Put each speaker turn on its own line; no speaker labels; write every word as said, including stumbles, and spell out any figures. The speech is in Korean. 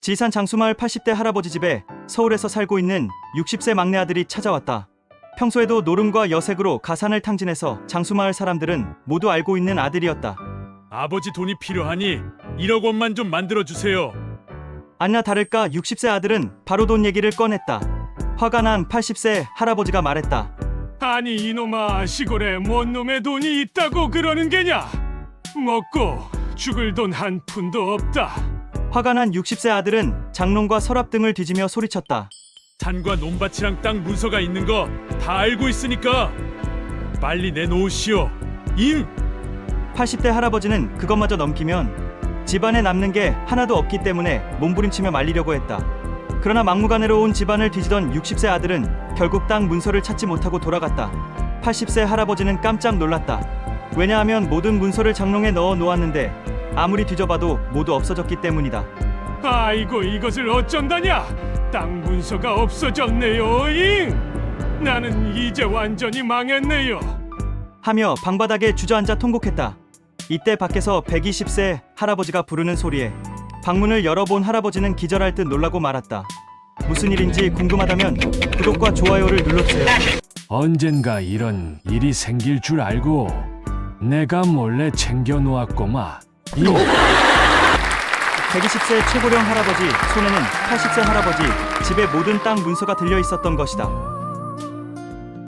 지산 장수마을 팔십 대 할아버지 집에 서울에서 살고 있는 육십 세 막내 아들이 찾아왔다. 평소에도 노름과 여색으로 가산을 탕진해서 장수마을 사람들은 모두 알고 있는 아들이었다.
아버지 돈이 필요하니 일억 원만 좀 만들어주세요.
아니나 다를까 육십 세 아들은 바로 돈 얘기를 꺼냈다. 화가 난 팔십 세 할아버지가 말했다.
아니 이놈아, 시골에 뭔 놈의 돈이 있다고 그러는 게냐? 먹고 죽을 돈 한 푼도 없다.
화가 난 육십 세 아들은 장롱과 서랍 등을 뒤지며 소리쳤다.
산과 논밭이랑 땅 문서가 있는 거 다 알고 있으니까 빨리 내놓으시오. 임!
팔십 대 할아버지는 그것마저 넘기면 집안에 남는 게 하나도 없기 때문에 몸부림치며 말리려고 했다. 그러나 막무가내로 온 집안을 뒤지던 육십 세 아들은 결국 땅 문서를 찾지 못하고 돌아갔다. 팔십 세 할아버지는 깜짝 놀랐다. 왜냐하면 모든 문서를 장롱에 넣어 놓았는데 아무리 뒤져봐도 모두 없어졌기 때문이다.
아이고, 이것을 어쩐다냐? 땅 문서가 없어졌네요. 잉! 나는 이제 완전히 망했네요.
하며 방바닥에 주저앉아 통곡했다. 이때 밖에서 백이십 세 할아버지가 부르는 소리에 방문을 열어본 할아버지는 기절할 듯 놀라고 말았다. 무슨 일인지 궁금하다면 구독과 좋아요를 눌러주세요.
언젠가 이런 일이 생길 줄 알고 내가 몰래 챙겨 놓았고마. 이
백이십 세 최고령 할아버지 손에는 팔십 세 할아버지 집의 모든 땅 문서가 들려 있었던 것이다.